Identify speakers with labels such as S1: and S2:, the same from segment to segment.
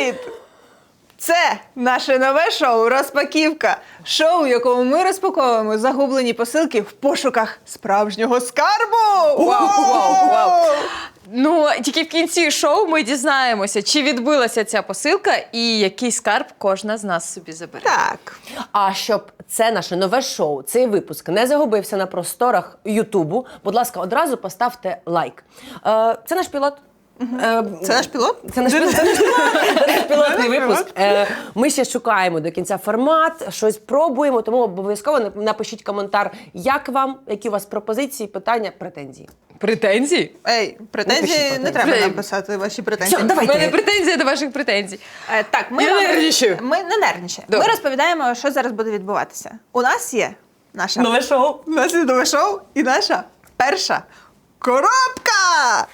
S1: Привіт! Це наше нове шоу «Розпаківка». Шоу, в якому ми розпаковуємо загублені посилки в пошуках справжнього скарбу!
S2: Вау! Ну, тільки в кінці шоу ми дізнаємося, чи відбилася ця посилка і який скарб кожна з нас собі забере.
S1: Так.
S3: А щоб це наше нове шоу, цей випуск не загубився на просторах Ютубу, будь ласка, одразу поставте лайк. Це наш пілот.
S1: Це наш пілот?
S3: Це наш пілотний випуск. Ми ще шукаємо до кінця формат, щось пробуємо, тому обов'язково напишіть коментар, як вам, які у вас пропозиції, питання, претензії.
S2: Претензії?
S1: Ей, претензії не треба нам писати, ваші претензії.
S3: Все, давайте.
S2: У мене претензія до ваших претензій.
S1: Так, ми
S2: Я нервничаю.
S1: Ми не нервничаємо.
S2: Добре.
S1: Ми розповідаємо, що зараз буде відбуватися. У нас є наша...
S3: Нове шоу.
S1: У нас є нове шоу і наша перша коробка!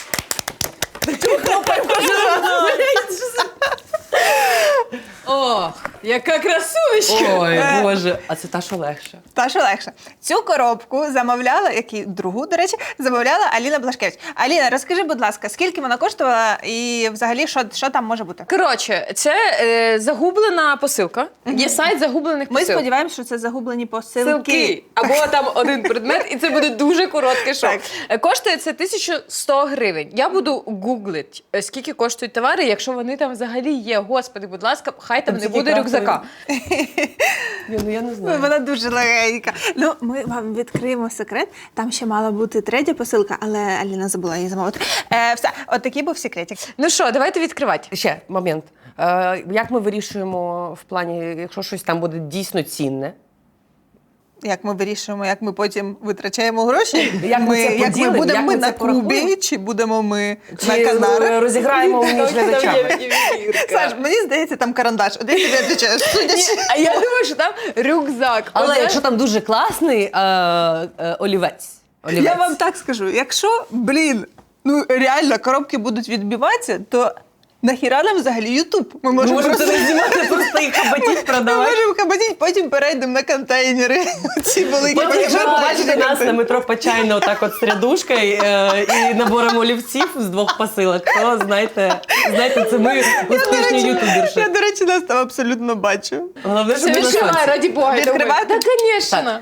S2: О, яка красунечка!
S3: Ой, Боже, а це та, що легше.
S1: Та що легше. Цю коробку замовляла, другу, до речі, замовляла Аліна Блашкевич. Аліна, розкажи, будь ласка, скільки вона коштувала і взагалі що там може бути?
S2: Коротше, це загублена посилка. Є сайт загублених
S1: Ми
S2: посилок.
S1: сподіваємося, що це загублені посилки.
S2: Посилки. Або там один предмет, і це буде дуже коротке шоу. Коштує це 1100 гривень. Я буду гуглити, скільки коштують товари, якщо вони там взагалі є. Господи, будь ласка, хай там не буде рюкзака.
S3: Ну, я не знаю.
S1: Вона дуже легенька. Ну, ми вам відкриємо секрет. Там ще мала бути третя посилка, але Аліна забула її замовити. Все, от такий був секретик.
S2: Ну що, давайте відкривати.
S3: Ще момент. Як ми вирішуємо в плані, якщо щось там буде дійсно цінне?
S1: Як ми вирішуємо, як ми потім витрачаємо гроші?
S3: Як ми це поділимо,
S1: будемо
S3: як
S1: ми
S3: ми
S1: на
S3: це порахуємо?
S1: Кубі, чи будемо ми на
S3: Чи
S1: Канарах?
S3: розіграємо між глядачами?
S1: Саш, мені здається, там карандаш. От я тобі відповідаю, судячи.
S2: А я думаю, що там рюкзак.
S3: Але
S2: Оце-
S3: якщо там дуже класний олівець.
S1: Я вам так скажу, якщо, ну реально коробки будуть відбиватися, то нахіра нам взагалі Ютуб? Ми можемо
S3: Можемо
S1: просто...
S3: це не знімати, просто їх хабатіть,
S1: Ми
S3: продавати.
S1: можемо хабатіть, потім перейдемо на контейнери. Ці великі
S3: Потім, якщо ви побачите
S1: контейнери.
S3: нас на метро Почайна отак от з рядушкою і набором олівців з 2 посилок, то знайте, це ми успішні ютуберші.
S1: Я, до речі, нас там абсолютно бачу.
S3: Головне,
S2: Це
S3: щоб ви на
S2: відкривай,
S3: шансі.
S2: раді Бога.
S1: Відкривати?
S2: Так, звісно.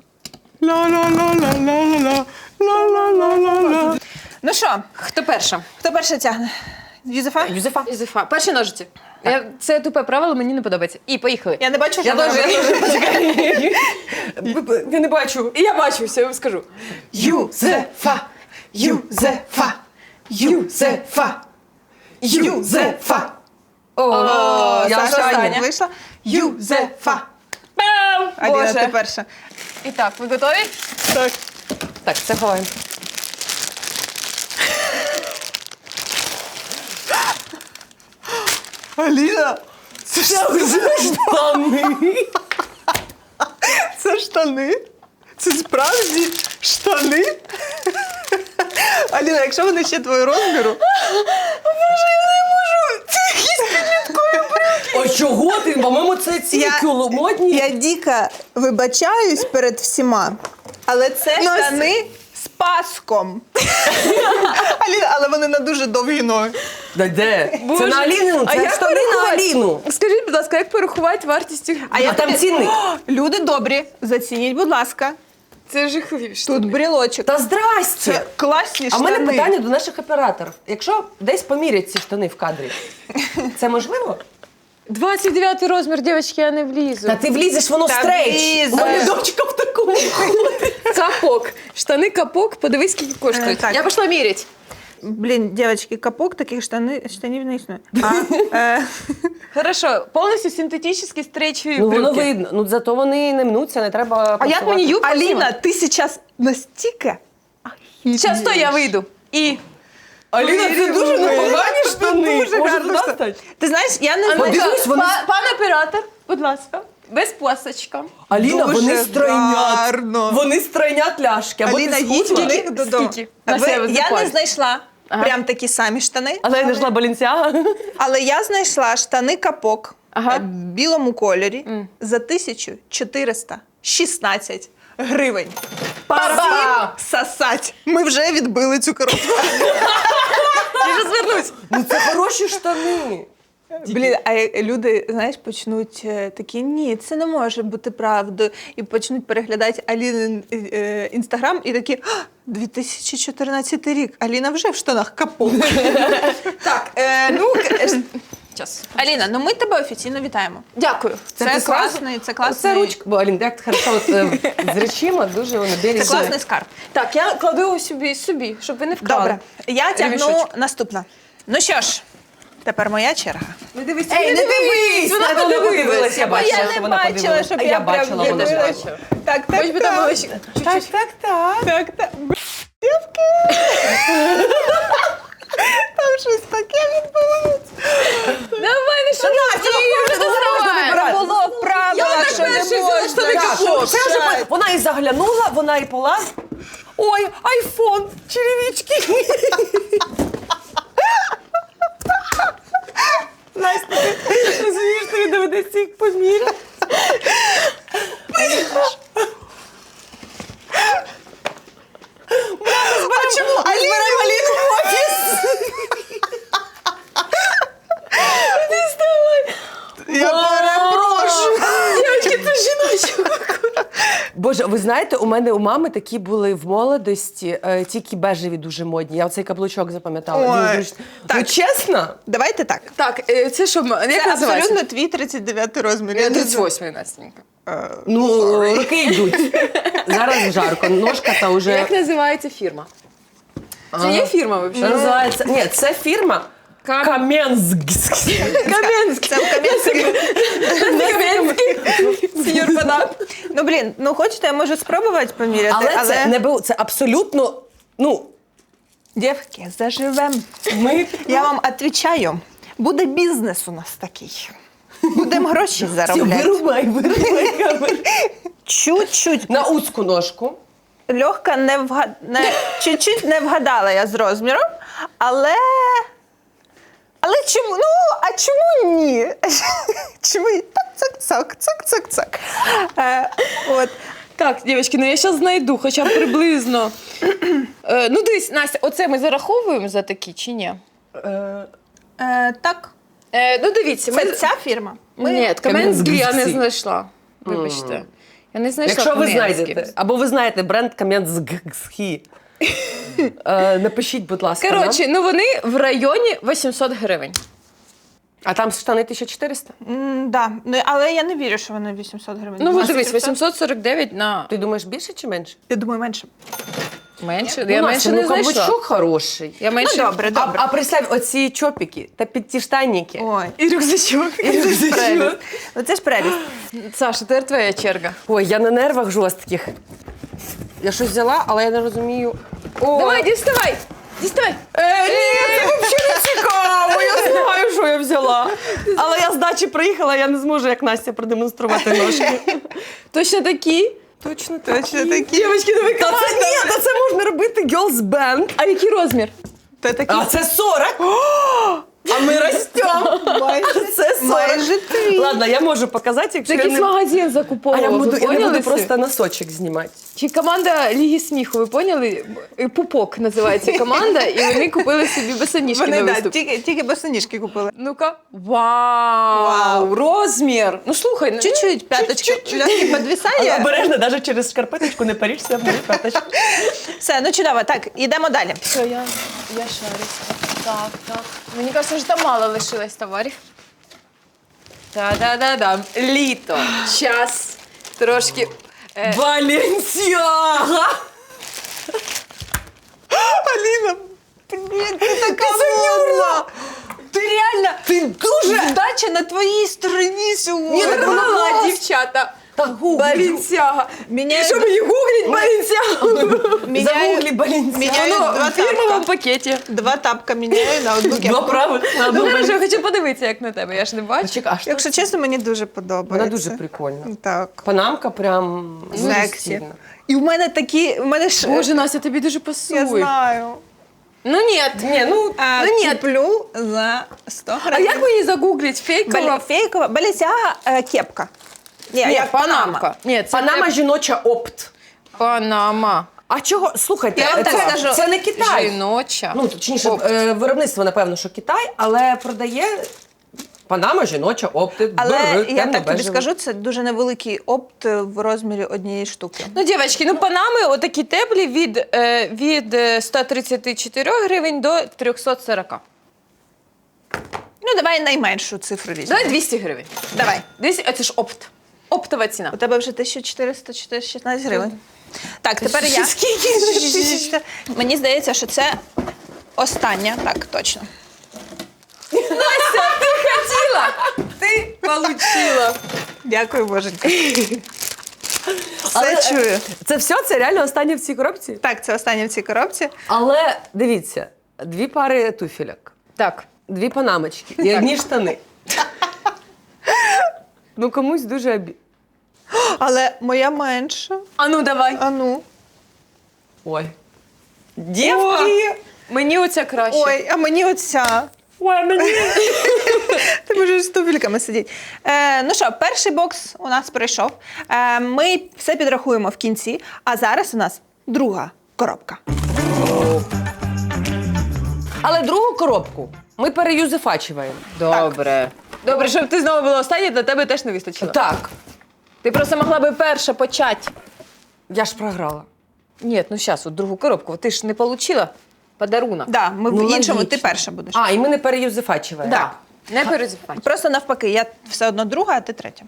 S1: Ла-ла-ла-ла-ла-ла-ла-ла-ла. Ну що,
S2: Хто перша?
S1: хто перше тягне? Юзефа?
S3: Юзефа.
S2: Юзефа. Перші ножиці. Це тупе правило, мені не подобається. І поїхали.
S1: Я не бачу, що
S3: Я
S1: вона
S3: теж,
S1: робить.
S3: почекай. Я не бачу.
S2: І я бачу, все, я вам скажу.
S1: Юзефа! Юзефа! Юзефа! Юзефа!
S3: О, я
S1: Саша
S3: остання.
S1: вийшла. Юзефа!
S2: Бам!
S1: Аліна, ти
S2: Боже.
S1: перша.
S2: І так, ви готові?
S1: Так.
S3: Так, це ховаємо.
S1: Аліна, це штани. Це штани? Це справді штани? Аліна, якщо вони ще твого розміру... Боже, я не можу! Це якісь підліткові брюки!
S3: А чого ти? По-моєму, це ці модні.
S1: Я дико вибачаюсь перед всіма, але це штани з паском. Аліна, але вони на дуже довгі ноги.
S3: Де?
S2: Боже.
S3: Це на Аліну,
S2: А
S3: це
S2: як
S3: штани на
S2: порахувати?
S3: Аліну.
S2: Скажіть, будь ласка, як порахувати вартість?
S3: А там цінник.
S1: Люди добрі, зацініть, будь ласка.
S2: Це жахливіше.
S1: Тут брілочок.
S3: Та здрасте.
S1: Це класні
S3: А в
S1: штани.
S3: мене питання до наших операторів. Якщо десь помірять ці штани в кадрі, це можливо?
S2: 29 розмір, дівчатки, я не влізу.
S3: Та ти влізеш, воно
S1: Та
S3: стрейч.
S1: влізе.
S3: У мене дочка в такому ходить.
S2: Капок. Штани капок, подивись, скільки коштують.
S1: Так.
S2: Я пішла міряти.
S1: Блін, дівчатки, капок таких штанів не існує.
S2: Хорошо, повністю синтетичні стрейчові
S3: Ну воно
S2: брюки.
S3: видно. Ну зато вони не мнуться, не треба.
S2: А як мені юбку
S1: Аліна,
S2: знімати?
S1: ти зараз настільки...
S2: Зараз то я вийду. І...
S3: Аліна, це дуже непогані штани.
S1: Дуже
S3: Може,
S1: гарно.
S3: туди стать?
S1: Ти знаєш, я не
S2: А
S1: знаю.
S2: ну-ка,
S3: Подивись, вони-
S2: пан оператор, будь ласка, без пасочка.
S3: Аліна,
S1: Дуже
S3: вони стройнять.
S1: гарно.
S3: Вони стройнять ляшки. Або
S1: Аліна,
S3: ти
S1: їдь
S3: схудла.
S1: до них додому.
S2: Скільки?
S1: А
S2: На себе
S1: я не
S2: запаль.
S1: знайшла
S2: Ага.
S1: прям такі самі штани,
S3: Але я знайшла Балінсяга.
S1: але я знайшла штани капок
S2: Ага.
S1: в білому кольорі за 1416 гривень.
S2: Па-бам!
S1: Сосать. Ми вже відбили цю коробку.
S2: Я вже звернусь.
S3: Ну це хороші штани.
S1: Блін, а люди, знаєш, почнуть такі, ні, це не може бути правдою. І почнуть переглядати Алінин інстаграм і такі, 2014 рік, Аліна вже в штанах капок. Так,
S2: Час.
S1: Аліна, ну ми тебе офіційно вітаємо.
S2: Дякую.
S1: Це
S3: ти
S1: класний, це класний.
S3: Це ручка, бо Алін, як хорошо от, з речима, дуже вони
S1: Це
S3: бережні.
S1: класний скарб.
S2: Так, я кладу собі, щоб ви не вкрали.
S1: Добре, я тягну
S2: Ремішочок.
S1: наступна. Ну що ж, тепер моя черга.
S2: Не дивись,
S3: Ей, не дивись!
S2: Вона
S3: Вона
S2: подивилась.
S3: Я бачила,
S1: я
S3: що
S1: не
S3: вона
S1: бачила,
S3: подивилась.
S1: щоб
S3: А
S1: я
S3: я
S1: прям
S3: бачила, вона ж
S1: дивилась.
S3: бачила.
S1: Так, так,
S2: Хоч би там було ще
S3: Так,
S2: чуть-чуть.
S3: так, так.
S1: Так, так. Дівки! Там щось таке відбулося.
S2: Давай, не шануй,
S1: Це було в правилах, що не можна.
S3: Так, це вже вона і заглянула, вона і пола. Ой, айфон, черевички. Настя, ти розумієш, тобі доведеться їх поміряти.
S1: А чому Аліну в офіс? Я перепрошую.
S2: Дівчатки, це жіночок.
S3: Боже, ви знаєте, у мене у мами такі були в молодості, тільки бежеві дуже модні. Я оцей каблучок запам'ятала.
S1: Ой,
S3: Він дуже...
S1: так.
S3: Ну, чесно?
S1: Давайте так.
S2: Так, це що, як
S1: Це
S2: називається?
S1: абсолютно твій 39 розмір.
S2: Я
S1: не знаю.
S2: 38, Настенька.
S3: Ну, роки йдуть. Зараз жарко, ножка та вже...
S2: Як називається фірма? Це є фірма, взагалі?
S3: Називається... Ні, це фірма Кам'янськ.
S2: Кам'янський.
S1: Це в Кам'янській.
S2: Кам'янський. Сеньор Банан.
S1: Ну, блін, ну хочете, я можу спробувати поміряти,
S3: Але це не було, це абсолютно, ну,
S1: Дівки, заживем.
S3: ми...
S1: Я вам відповідаю, буде бізнес у нас такий. Будемо гроші заробляти.
S3: Вирубай камеру.
S1: Чуть-чуть.
S3: На узку ножку.
S1: Легка чуть-чуть не вгадала я з розміром, але чому? Ну, а чому ні? Чому ні? Так, цак. От.
S2: Так, дівчатки, ну я зараз знайду, хоча б приблизно. Ну дивись, Настя, оце ми зараховуємо за такі чи ні?
S1: Так.
S2: Ну дивіться,
S1: Це ця фірма?
S2: Ні, Кам'янський я не
S3: Кам'янський.
S2: знайшла. Вибачте. Я не знайшла
S3: Якщо ви
S2: Кам'янський.
S3: знайдете, або ви знаєте бренд Кам'янський, напишіть, будь ласка, нам.
S2: Коротше, ну вони в районі 800 гривень.
S3: А там штани 1400?
S1: Да. Ну, але я не вірю, що вони 800 гривень.
S2: Ну,
S1: Вони
S2: от дивись,
S1: 800?
S2: 849 на
S3: Ти думаєш, більше чи менше?
S1: Я думаю, менше.
S2: менше.
S3: Ну,
S2: Я
S3: Настя,
S2: менше не
S3: ну,
S2: знайшла.
S3: каблучок хороший.
S2: Я менше...
S1: Ну, добре.
S3: А представь, оці чопіки та підтіштанники.
S1: Ой.
S2: І рюкзачок.
S1: Прелість. Оце ж прелість.
S2: Саша, тепер твоя черга.
S3: Ой, я на нервах жорстких. Я щось взяла, але я не розумію. О,
S2: Давай, діставай! Діставай!
S3: Ні, це взагалі не цікаво. Я знаю, що я взяла. Але я з дачі приїхала, я не зможу, як Настя, продемонструвати ножки.
S2: Точно такі?
S3: Точно
S1: такі.
S2: Дівчатки, давай
S3: Та це ні, та це можна робити girls band.
S2: А який розмір?
S1: Та такі
S3: А це 40. А ми ростемо. Це 40.
S1: майже твій.
S3: Ладно, я можу показати, якщо
S2: Це
S3: я
S2: якийсь
S3: не...
S2: магазин
S3: А
S2: закуповував,
S3: я,
S2: ви
S3: буду, я не
S2: поняли
S3: буду
S2: всі?
S3: просто носочок знімати.
S2: Чи команда Ліги сміху, ви поняли? Пупок називається команда, і вони купили собі босоніжки
S1: Вони
S2: на
S1: да,
S2: виступ.
S1: тільки босоніжки купили.
S2: Ну-ка. Вау! Розмір! Ну слухай, ну,
S1: Чуть-чуть п'яточка легкі
S3: Але
S1: підвисає.
S3: обережно, навіть через шкарпеточку не парішся в мою п'яточку.
S1: Все, ну чудово. Так, ідемо далі.
S2: Все, я шарюсь. Так. Мені кажется, що там мало лишилось товарів. Та-да-да-да. Літо. Час. Трошки.
S3: Баленсіага!
S1: Аліна, блін, ти така модна.
S3: Ти реально, ти дуже...
S1: Вдача на твоїй стороні сьогодні.
S2: Мала, дівчата. Балінсяга.
S1: Міняю-
S2: І що мені гуглить Балінсягу?
S3: Загуглі Баленсіага.
S1: Міняю
S2: Воно
S1: два
S2: в фірмовому
S1: тапка.
S2: пакеті.
S1: Два тапка міняю на одну
S3: Два
S1: кепку.
S3: правих на
S2: Ну,
S3: одну.
S2: хорошо, я хочу подивитися, як на тебе. Я ж не бачу.
S3: Чекай, а що?
S1: Якщо чесно, мені дуже подобається.
S3: Вона дуже прикольна.
S1: Так.
S3: Панамка прям дуже
S1: Сексі.
S3: стильна.
S1: І в мене такі, в мене ж...
S2: Боже, Настя, тобі дуже пасує.
S1: я знаю.
S2: Ну ні.
S3: Ні, ну,
S2: Ну, ні.
S1: Куплю за 100
S2: А
S1: гривень.
S2: як мені загуглить? Фейкова?
S1: Фейкова, Балісяга, кепка. Ні,
S2: Ні,
S1: як
S2: панамка. Ні, це
S3: Панама
S2: не
S3: жіноча опт.
S2: Панама.
S3: А чого? Слухайте,
S1: Я вам так
S3: це,
S1: скажу.
S3: це не Китай.
S2: Жіноча.
S3: Ну, точніше,
S2: Опт.
S3: виробництво, напевно, що Китай, але продає Панама жіноча, опти,
S1: Але
S3: бери,
S1: я так тобі
S3: темно-бежевий.
S1: скажу, це дуже невеликий опт в розмірі однієї штуки.
S2: Ну, дівчатки, ну панами отакі теплі від 134 гривень до 340.
S1: Ну, давай найменшу цифру візьмемо.
S2: Давай 200 гривень.
S1: Давай.
S2: 200, а це ж опт. Оптова ціна.
S1: У тебе вже 1416 гривень. Так, тепер я.
S2: Скільки?
S1: Мені здається, що це остання. Так, точно.
S2: Настя, ти хотіла! Ти получила.
S1: Дякую, боженька.
S3: Але,
S1: Все чую.
S3: Це все? Це реально останнє в цій коробці?
S1: Так, це останнє в цій коробці.
S3: Але дивіться, 2 пари туфельок,
S2: Так.
S3: 2 панамочки і одні штани. Ну комусь дуже
S1: Але моя менша.
S2: А ну давай.
S1: А ну.
S3: Ой. Дівки!
S2: Мені оця краще.
S1: Ой, а мені оця.
S3: Ой, мені.
S1: Ти можеш з туфельками сидіти. Ну що, перший бокс у нас пройшов. Ми все підрахуємо в кінці, а зараз у нас друга коробка.
S3: Але другу коробку ми переюзефачуємо.
S2: Добре. Добре, щоб ти знову була остання, для тебе теж не вистачило.
S3: Так,
S2: Ти просто могла би перша почати.
S3: я ж програла.
S2: Ні, ну зараз, от другу коробку. Ти ж не отримала подарунок.
S1: Да, ми
S3: Ну,
S1: в іншому,
S3: логічно.
S1: ти перша будеш.
S3: А, і ми не переюзефачуємо.
S2: Так. Не перезапай.
S1: Просто навпаки, я все одно друга, а ти третя.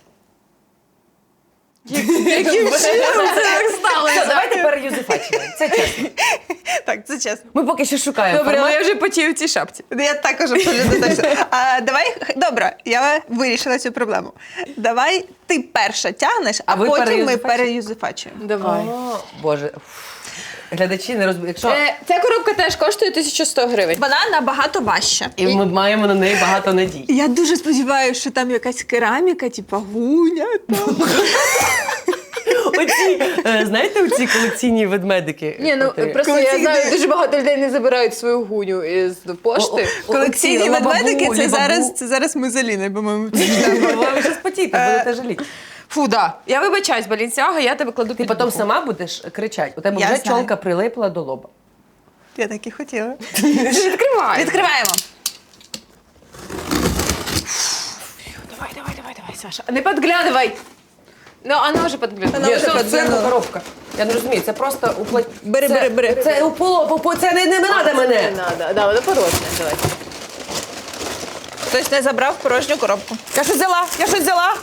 S2: Яким чином це так
S3: Все,
S2: сталося?
S3: давайте переюзефачуємо. Це чесно.
S1: Так, це чесно.
S3: Ми поки що шукаємо
S2: Добре, але
S3: формат.
S2: я вже потію в цій шапці.
S1: Я також абсолютно точно. Давай, добре, я вирішила цю проблему. Давай ти перша тягнеш, а
S3: ви
S1: потім ми
S3: переюзефачуєте?
S1: переюзефачуємо.
S2: Давай.
S3: О, Боже. Глядачі не розуміють. Якщо...
S2: Ця коробка теж коштує 1100 гривень.
S1: Вона набагато важча.
S3: І ми маємо на неї багато надій.
S1: Я дуже сподіваюся, що там якась кераміка, типа гуня. Там.
S3: Оці, знаєте, оці колекційні ведмедики?
S2: Ні, ну
S3: От,
S2: просто
S1: Коли
S2: я
S1: ці
S2: знаю,
S1: йде-
S2: дуже багато людей не забирають свою гуню із пошти.
S1: Колекційні
S3: Оці
S1: ведмедики
S3: лабабу,
S1: це
S3: лібабу.
S1: зараз ми з Аліною, по-моєму.
S3: Ви щось потієте, будете жаліти.
S2: Фу, да. Я вибачаюсь, Балінсіага, я тебе кладу
S3: Ти
S2: під
S3: потім
S2: руку.
S3: сама будеш кричати. У тебе
S1: Я
S3: вже
S1: знаю.
S3: чолка прилипла до лоба.
S1: Я так і хотіла.
S2: Відкривай.
S1: Відкриваємо.
S2: Давай, Саша. Не подглядывай. Ну, вона вже подглядує.
S1: Вона
S3: Ні,
S1: вже
S3: це
S1: подзвонила.
S3: коробка. Я не розумію, це просто уплать.
S1: Бери.
S3: Це це не треба мене.
S2: Не надо. Да, вона порожня. Давай.
S1: Хтось не забрав порожню коробку.
S3: Я щось взяла.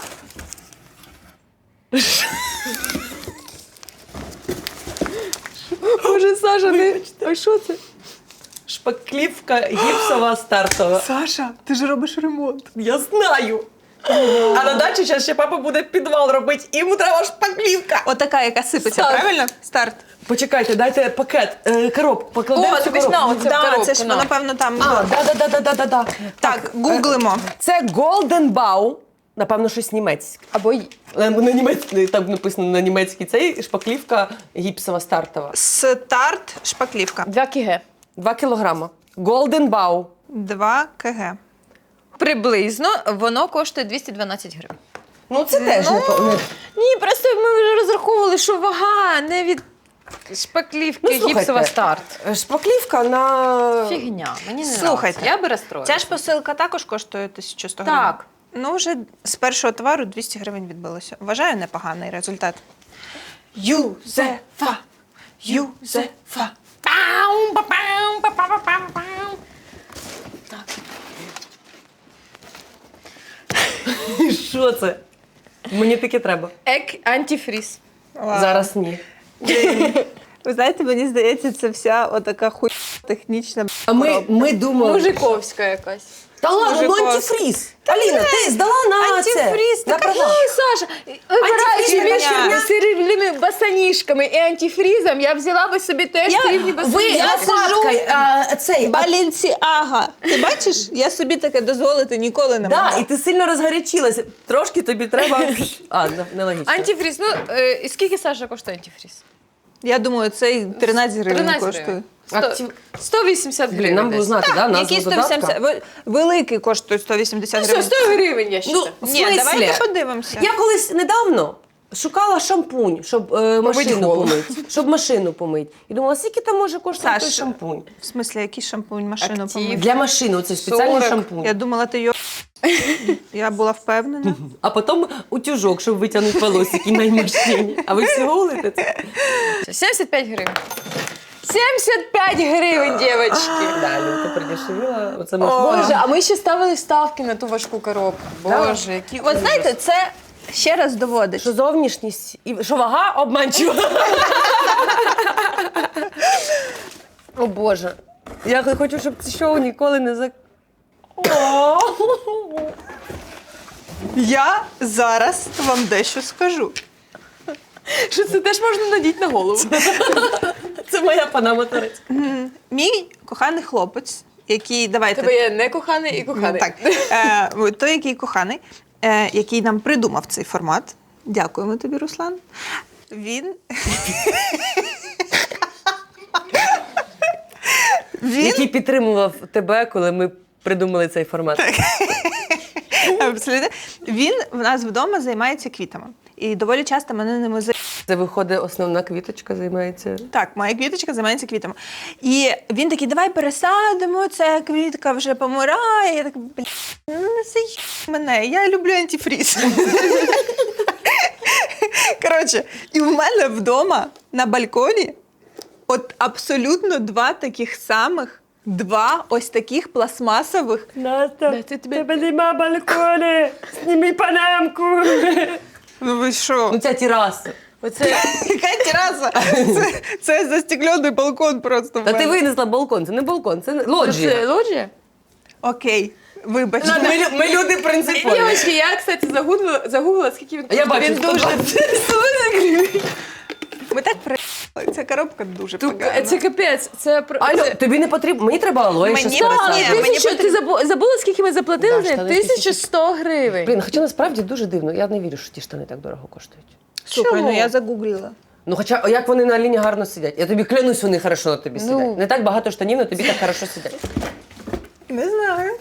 S2: Боже, Саша, не... А що це?
S3: Шпаклівка гіпсова стартова.
S1: Саша, ти ж робиш ремонт.
S3: Я знаю. А на дачі зараз ще папа буде підвал робити, і йому треба шпаклівка.
S1: Отака, яка сипеться,
S2: Старт.
S1: правильно? Старт.
S3: Почекайте, дайте пакет, коробку, покладемо
S2: О,
S3: цю
S2: дивись,
S3: коробку.
S2: на, оце в
S1: Да,
S2: коробку,
S1: це ж
S2: на.
S1: воно, напевно, там.
S3: А, да.
S1: Так, гуглимо.
S3: Це Golden Bow, напевно, щось німецьке.
S2: Або
S3: На німецький, там написано на німецький цей шпаклівка гіпсова стартова.
S1: Старт, шпаклівка.
S2: 2 кг.
S3: 2 кілограма. Golden Bow.
S1: 2 кг.
S2: Приблизно воно коштує 212 гривень.
S3: Ну це теж не
S2: Ні, просто ми вже розраховували, що вага не від шпаклівки гіпсова старт.
S3: Шпаклівка на...
S2: Фігня, мені не
S1: Слухайте,
S2: нравиться. Я би розстроїлася.
S1: Ця ж посилка також коштує 1100 гривень.
S2: Так.
S1: Ну, вже з першого товару 200 гривень відбилося. Вважаю, непоганий результат. Юзефа. Юзефа.
S2: Пау, па-пау, па-па-па-па-пау.
S3: Що це? Мені таке треба.
S2: Антифріз.
S1: Вау.
S3: Зараз ні.
S1: Ви знаєте, мені здається, це вся отака технічна
S3: А ми думали...
S2: Мужиковська якась.
S3: Та ладно, ну
S1: Мужикова.
S3: антифріз. Аліна, ти здала на
S1: Антифріз,
S3: це. На
S1: така
S3: права.
S2: Ой, Саша, вибираючи
S1: Антифріз,
S2: між
S1: херня.
S2: срібними босоніжками і антифрізом, я взяла би собі теж срібні
S3: Ви
S2: босоніжки.
S3: лопаткою, цей...
S1: Балінсіага. Ти бачиш, я собі таке дозволити ніколи не
S3: Да,
S1: могла.
S3: і ти сильно розгарячилася. Трошки тобі треба... А, нелогічно.
S2: Антифріз, ну, і скільки, Саша, коштує антифріз?
S1: Я думаю, цей 13 гривень
S2: 13
S1: коштує.
S2: гривень.
S3: Актив-
S2: 180 гривень.
S3: Блін, нам було
S2: десь.
S3: знати, да, назву
S1: Який
S3: додатка?
S1: 180? Великий коштує 180
S2: Ну,
S1: гривень.
S2: 100 гривень, я
S3: Ну,
S2: вважаю.
S3: в
S1: Ні,
S3: смислі?
S1: давайте подивимося.
S3: Я колись недавно шукала шампунь, щоб машину
S2: голову.
S3: помити. Щоб машину помити. І думала, скільки там може коштувати той
S1: Саш,
S3: шампунь?
S1: В смислі, який шампунь машину
S2: Актив.
S1: помити?
S3: Для машини, оце спеціальний
S2: 40.
S3: шампунь.
S1: Я думала, ти його... Я була впевнена.
S3: А потім утюжок, щоб витягнути волосики на мужчині. А ви всього голите це?
S2: 75 гривень. 75 гривень, дівчатки!
S3: Да, Люд, ти продешевила. Оце
S2: Боже, а ми ще ставили ставки на ту важку коробку. Боже, які
S1: От знаєте, це ще раз доводить.
S3: що зовнішність і що вага обманчива. О Боже. Я хочу, щоб це шоу ніколи не зак...
S1: Я зараз вам дещо скажу.
S2: Що це теж можна надіти на голову.
S3: Це моя панама турець.
S1: Мій коханий хлопець, який, давайте...
S2: Тебе є не коханий і коханий.
S1: Так, той, який коханий, який нам придумав цей формат. Дякуємо тобі, Руслан. Він
S3: Який підтримував тебе, коли ми придумали цей формат.
S1: абсолютно. Він в нас вдома займається квітами. І доволі часто мене ними
S3: Це виходить, основна квіточка займається.
S1: Так, моя квіточка займається квітами. І він такий, давай пересадимо, ця квітка вже помирає. Я так, не заїб мене, я люблю антифріз. Коротше, і в мене вдома на балконі от абсолютно два ось таких пластмасових.
S3: Настя,
S2: тебе-
S3: тебе нема балкони, зніми панамку.
S1: Ну ви що?
S3: Ну ця тераса.
S2: Оце
S1: Яка тераса? Це застеклений балкон просто в
S3: Та ти
S1: мене.
S3: винесла балкон, це не балкон, це лоджія.
S2: лоджія?
S1: Окей, вибачте.
S3: Ми люди принципові.
S2: Дівчатки, я, кстати, загуглила, скільки він
S3: Я
S2: коштує.
S3: бачу,
S2: Він дуже...
S3: 120
S1: Ми так приїхали. Ця коробка дуже
S2: Тут,
S1: погана.
S2: це капець, це...
S3: Алло, тобі не потрібно, мені треба алоє ще
S1: Мені
S3: з пересадкою.
S1: ні, мені
S2: Тисячу, ти забула, скільки ми заплатили?
S3: Да,
S2: за
S3: штани
S2: 1100 гривень.
S3: Блін, хоча насправді дуже дивно, я не вірю, що ті штани так дорого коштують.
S1: Слухай,
S2: Чому?
S1: ну я загуглила.
S3: Ну хоча, як вони на Аліні гарно сидять. Я тобі клянусь, вони хорошо на тобі сидять. Не так багато штанів, але тобі так хорошо сидять.
S1: Не знаю.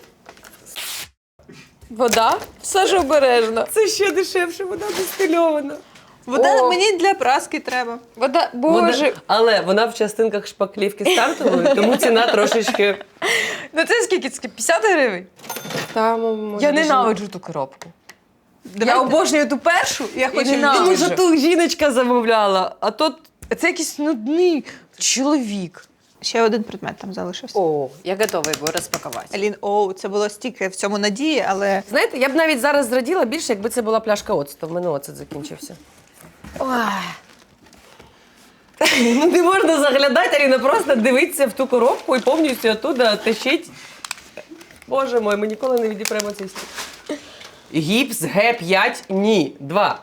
S2: Вода? Все ж обережно.
S3: Це ще дешевше, вона дистильована.
S1: Вода
S2: О.
S1: мені для праски треба.
S2: Вода, боже.
S3: Але вона в частинках шпаклівки стартової, тому ціна трошечки.
S2: Ну це скільки? Це 50 гривень?
S3: Там,
S2: Я ненавиджу ту коробку. Я
S1: Давайте.
S2: обожнюю ту першу.
S1: Я хочу
S2: ненавиджу.
S3: Тому що ту жіночка замовляла, а тут.
S2: Це якийсь нудний чоловік.
S1: Ще один предмет там залишився.
S2: О, я готова його розпакувати.
S1: Алін, це було стільки в цьому надії, але
S3: Знаєте, я б навіть зараз зраділа більше, якби це була пляшка оцту. В мене оцет закінчився. Ну не можна заглядати, Аліна, просто дивитися в ту коробку і повністю оттуда тащить. Боже мой, ми ніколи не відіпремо цей стіл. Гіпс Г5, ні, 2.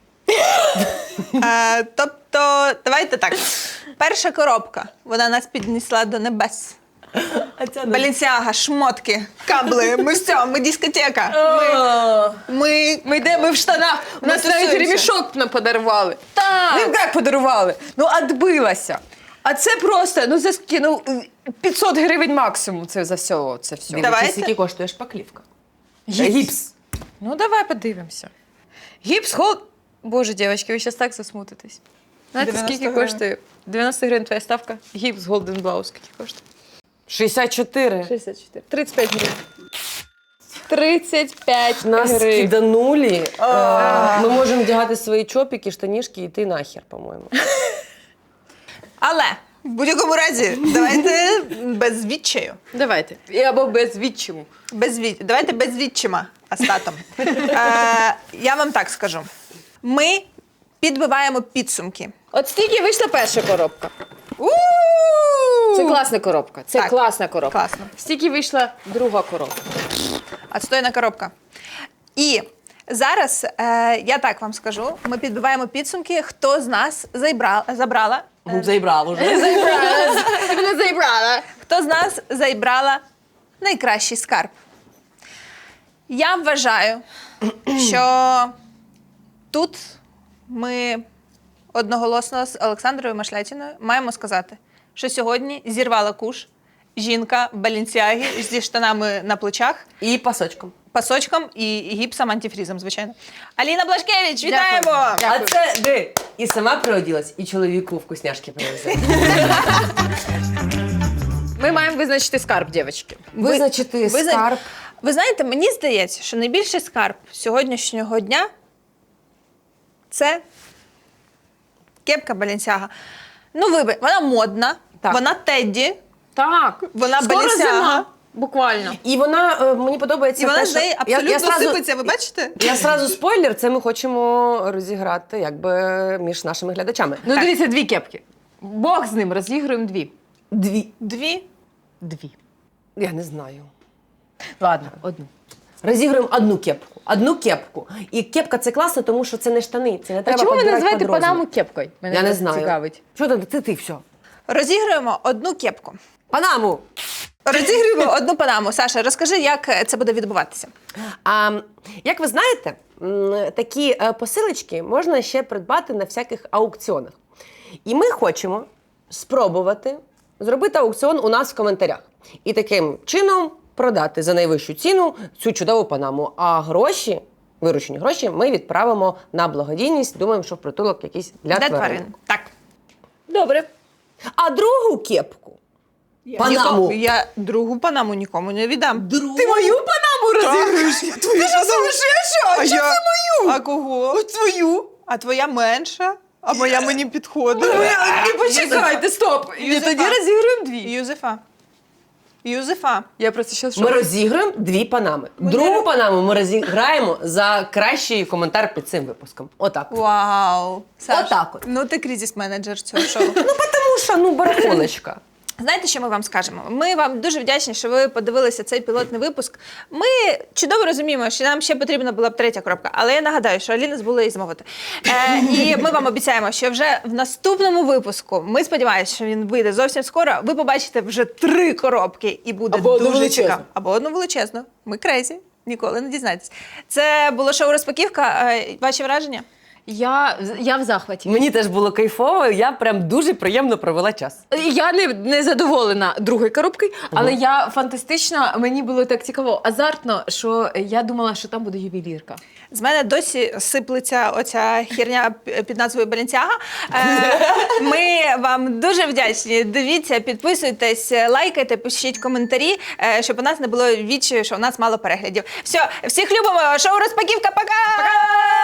S1: тобто, давайте так. Перша коробка, вона нас піднесла до небес.
S3: А ця
S1: Балінсіага, шмотки, кабли, ми все, ми дискотека. Ми
S2: Ми в штанах. У нас навіть
S1: тусуємося.
S2: ремішок нам подарували.
S1: Так.
S2: Ну як подарували? Ну, відбилася. А це просто, ну за скільки, ну 500 гривень максимум це за все. Це все.
S1: Давайте.
S3: Скільки коштує шпаклівка?
S2: Гіпс. Ну давай подивимося. Гіпс, Боже, дівчатки, ви зараз так засмутитесь. Знаєте,
S1: 90
S2: скільки
S1: гривень.
S2: коштує? 90 гривень твоя ставка. Гіпс Golden Blouse скільки коштує?
S3: 64.
S2: 64. 35 гривень. 35
S3: Нас
S2: гривень.
S3: киданули. Ми можемо вдягати свої чопіки, штанішки і йти нахер, по-моєму.
S1: Але в будь-якому разі, давайте без відчаю.
S2: Давайте. Або без відчиму.
S1: Давайте без відчима Астатом. Я вам так скажу. Ми підбиваємо підсумки.
S2: От стільки вийшла перша коробка. Це класна коробка. Це
S1: Так.
S2: класна коробка.
S1: Класно.
S2: Стільки вийшла друга коробка.
S1: Отстойна коробка. І зараз я так вам скажу: ми підбиваємо підсумки, хто з нас забрала.
S3: Заібрав уже.
S2: Ти мене заібрала.
S1: Хто з нас зайбрала найкращий скарб? Я вважаю, що тут ми одноголосно з Олександрою Машлятіною маємо сказати, що сьогодні зірвала куш жінка в Балінсіагі зі штанами на плечах,
S3: І пасочком.
S1: пасочком і гіпсом антифрізом, звичайно. Аліна Блашкевич, вітаємо!
S3: А це де? І сама приоділась, і чоловіку вкусняшки привезла.
S2: Ми маємо визначити скарб, дівчатки.
S3: Визначити скарб.
S1: Ви знаєте, мені здається, що найбільший скарб сьогоднішнього дня – це кепка Balenciaga. Ну, вона модна,
S3: Так.
S1: вона Тедді,
S2: Так.
S1: Вона
S2: Скоро
S1: Balenciaga.
S2: зима. Буквально.
S3: І вона, мені подобається
S1: і вона
S3: те,
S1: з
S3: що...
S1: неї абсолютно сипеться, ви бачите?
S3: Я сразу спойлер, це ми хочемо розіграти якби між нашими глядачами.
S2: Ну,
S1: Так.
S2: дивіться, 2 кепки. Бог з ним, розігруємо 2.
S3: Дві.
S1: 2.
S3: Я не знаю.
S2: Ладно, одну.
S3: Розігруємо одну кепку. І кепка це класно, тому що це не штани, це не
S2: А
S3: треба
S2: чому ви
S3: підбирати
S2: називаєте
S3: під розмір.
S2: Панаму кепкою? Мене
S3: Я не
S2: просто
S3: знаю.
S2: цікавить.
S3: Що ти все.
S1: Розігруємо одну кепку.
S3: Панаму!
S1: Розігруємо одну панаму. Саша, розкажи, як це буде відбуватися.
S3: Як ви знаєте, такі посилочки можна ще придбати на всяких аукціонах. І ми хочемо спробувати зробити аукціон у нас в коментарях. І таким чином продати за найвищу ціну цю чудову панаму. А гроші, виручені гроші, ми відправимо на благодійність. Думаємо, що в притулок якийсь для тварин.
S1: Так.
S3: Добре. А другу кепку, панаму,
S1: Я другу панаму нікому не віддам.
S3: Ти мою панаму розігруєш?
S1: Ти що сумасшедша? А що це мою? А кого? Твою. А твоя менша, а моя мені підходить.
S2: І почекайте, стоп. І
S1: Юзефа.
S2: тоді розігруємо 2.
S1: Юзефа.
S2: Я просто зараз
S3: Ми розіграємо 2 панами. Другу панаму ми розіграємо за кращий коментар під цим випуском. Отак.
S1: Вау. Саш,
S3: Отак от.
S1: Ну ти кризис-менеджер цього шоу.
S3: Тому що, барахолочка.
S1: Знаєте, що ми вам скажемо? Ми вам дуже вдячні, що ви подивилися цей пілотний випуск. Ми чудово розуміємо, що нам ще потрібна була б 3-я коробка, але я нагадаю, що Аліна забула її замовити. І ми вам обіцяємо, що вже в наступному випуску, ми сподіваємося, що він вийде зовсім скоро, ви побачите вже 3 коробки і буде
S3: Або одну
S1: дуже
S3: величезну.
S1: цікаво. Або одну величезну. Ми крейзі, ніколи не дізнаєтесь. Це було шоу «Розпаківка». Ваші враження?
S2: Я в захваті.
S3: Мені теж було кайфово, я прям дуже приємно провела час.
S2: Я не задоволена другою коробкою, але я фантастично, мені було так цікаво, азартно, що я думала, що там буде ювелірка.
S1: З мене досі сиплеться оця херня під назвою Balenciaga. Ми вам дуже вдячні. Дивіться, підписуйтесь, лайкайте, пишіть коментарі, щоб у нас не було відчаю, що у нас мало переглядів. Все, всіх любимо. Шоу «Розпаківка». Пока!